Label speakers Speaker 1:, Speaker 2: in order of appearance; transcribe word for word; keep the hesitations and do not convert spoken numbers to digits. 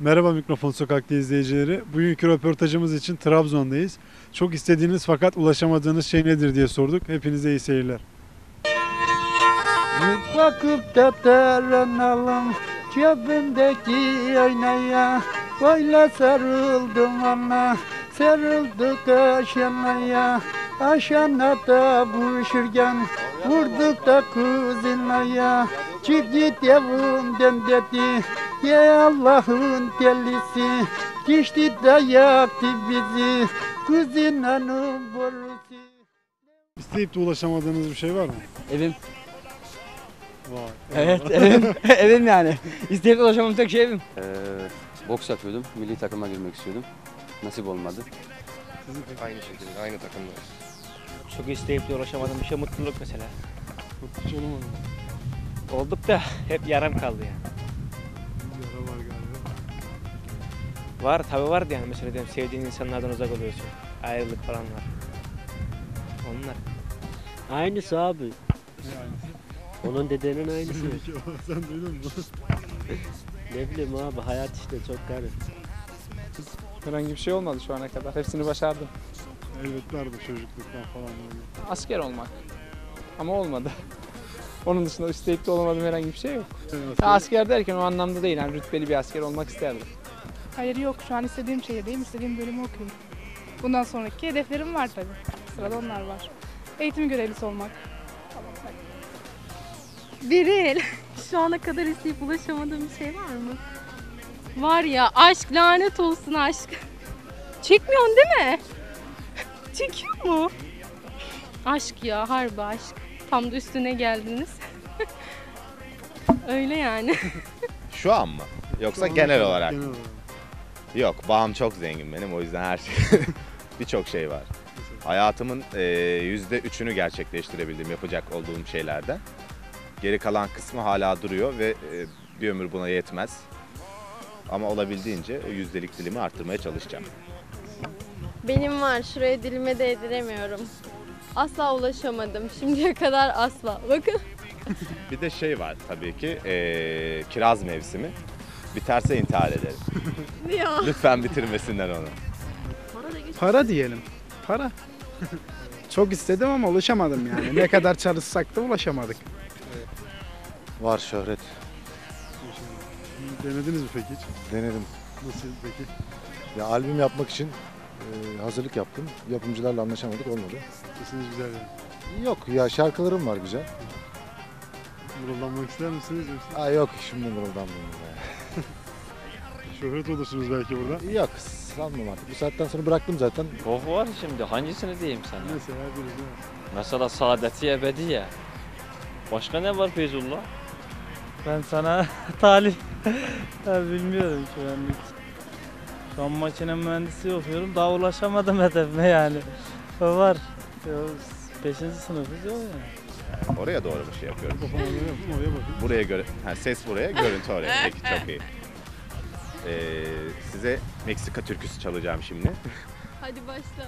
Speaker 1: Merhaba Mikrofon Sokak'ta izleyicileri. Bugünkü röportajımız için Trabzon'dayız. Çok istediğiniz fakat ulaşamadığınız şey nedir diye sorduk. Hepinize iyi seyirler.
Speaker 2: Bakıp da taranalım cebimdeki aynaya. Öyle sarıldım ana, sarıldık aşanaya. Aşanada buluşurken vurduk da kızınaya. Çık git evimden dedi, ya Allah'ın delisi. Geçti de yaktı bizi, kızın hanım borusu.
Speaker 1: İsteyip de ulaşamadığınız bir şey var mı?
Speaker 3: Evim.
Speaker 1: Vay.
Speaker 3: Evet, evim. Evim yani. İsteyip ulaşamam tek şey evim.
Speaker 4: Ee, boks yapıyordum. Milli takıma girmek istiyordum. Nasip olmadı.
Speaker 5: Aynı şekilde, aynı takımdayız.
Speaker 6: Çok isteyip de ulaşamadığım bir şey mutluluk mesela.
Speaker 1: Hiç olamadı mı?
Speaker 6: Olduk da hep yarım kaldı yani.
Speaker 1: Yara var galiba.
Speaker 6: Var tabi vardı yani mesela diyelim sevdiğin insanlardan uzak oluyorsun. Ayrılık falan var. Onlar.
Speaker 7: Aynısı abi.
Speaker 1: Ne aynısı?
Speaker 7: Onun dedenin aynısı.
Speaker 1: Sen duydun mu?
Speaker 7: Ne bileyim abi, hayat işte çok garip.
Speaker 8: Herhangi bir şey olmadı şu ana kadar. Hepsini başardım.
Speaker 1: Elbet vardı çocukluktan falan böyle.
Speaker 8: Asker olmak. Ama olmadı. Onun dışında isteyip de olamadığım herhangi bir şey yok.
Speaker 1: Evet,
Speaker 8: Ya asker derken o anlamda değil. Yani rütbeli bir asker olmak isterdim.
Speaker 9: Hayır yok. Şu an istediğim şehirdeyim. İstediğim bölümü okuyorum. Bundan sonraki hedeflerim var tabii. Sırada onlar var. Eğitim görevlisi olmak.
Speaker 10: Beril, şu ana kadar isteyip ulaşamadığım bir şey var mı? Var ya, aşk, lanet olsun aşk. Çekmiyorsun değil mi? Çekiyor mu? Aşk ya, harbi aşk. Tam da üstüne geldiniz. Öyle yani.
Speaker 5: Şu an mı? Yoksa
Speaker 1: Şu
Speaker 5: genel
Speaker 1: ana
Speaker 5: olarak?
Speaker 1: Genel olarak.
Speaker 5: Yok, bağım çok zengin benim, o yüzden her şey, birçok şey var. Hayatımın e, yüzde üçünü gerçekleştirebildim yapacak olduğum şeylerden. Geri kalan kısmı hala duruyor ve e, bir ömür buna yetmez. Ama olabildiğince o yüzdelik dilimi arttırmaya çalışacağım.
Speaker 10: Benim var, şuraya dilime değdiremiyorum. Asla ulaşamadım, şimdiye kadar asla. Bakın.
Speaker 5: Bir de şey var tabii ki, e, kiraz mevsimi. Biterse intihar ederim.
Speaker 10: Ya.
Speaker 5: Lütfen bitirmesinler onu.
Speaker 2: Para diyelim. Para. Çok istedim ama ulaşamadım yani. Ne kadar çalışsak da ulaşamadık.
Speaker 11: Var şöhret.
Speaker 1: Denediniz mi peki hiç?
Speaker 11: Denedim.
Speaker 1: Nasıl peki?
Speaker 11: Ya albüm yapmak için e, hazırlık yaptım. Yapımcılarla anlaşamadık, olmadı.
Speaker 1: Sesiniz güzel yani.
Speaker 11: Yok ya, şarkılarım var güzel.
Speaker 1: Mırıldanmak ister misiniz? Yoksa
Speaker 11: Aa yok, şimdi mırıldanmıyorum ya.
Speaker 1: şöhret olursunuz belki burada.
Speaker 11: Yok, sanmam artık. Bu saatten sonra bıraktım zaten.
Speaker 7: Çok var şimdi, hangisini diyeyim sana?
Speaker 1: Mesela birisi var.
Speaker 7: Mesela Saadeti Ebediye. Başka ne var Feyzullah?
Speaker 3: Ben sana talip. Ya bilmiyorum şu an hiç. Şu an makine mühendisi okuyorum. Daha ulaşamadım hedefime yani. O var. Ya, beşinci sınıfız o yani.
Speaker 5: Oraya doğru bir şey yapıyorum.
Speaker 1: Kafama göre yapın, oraya bakın.
Speaker 5: Buraya göre, ha, ses buraya, görüntü oraya. Peki, çok iyi. Ee, size Meksika türküsü çalacağım şimdi.
Speaker 10: Hadi başla.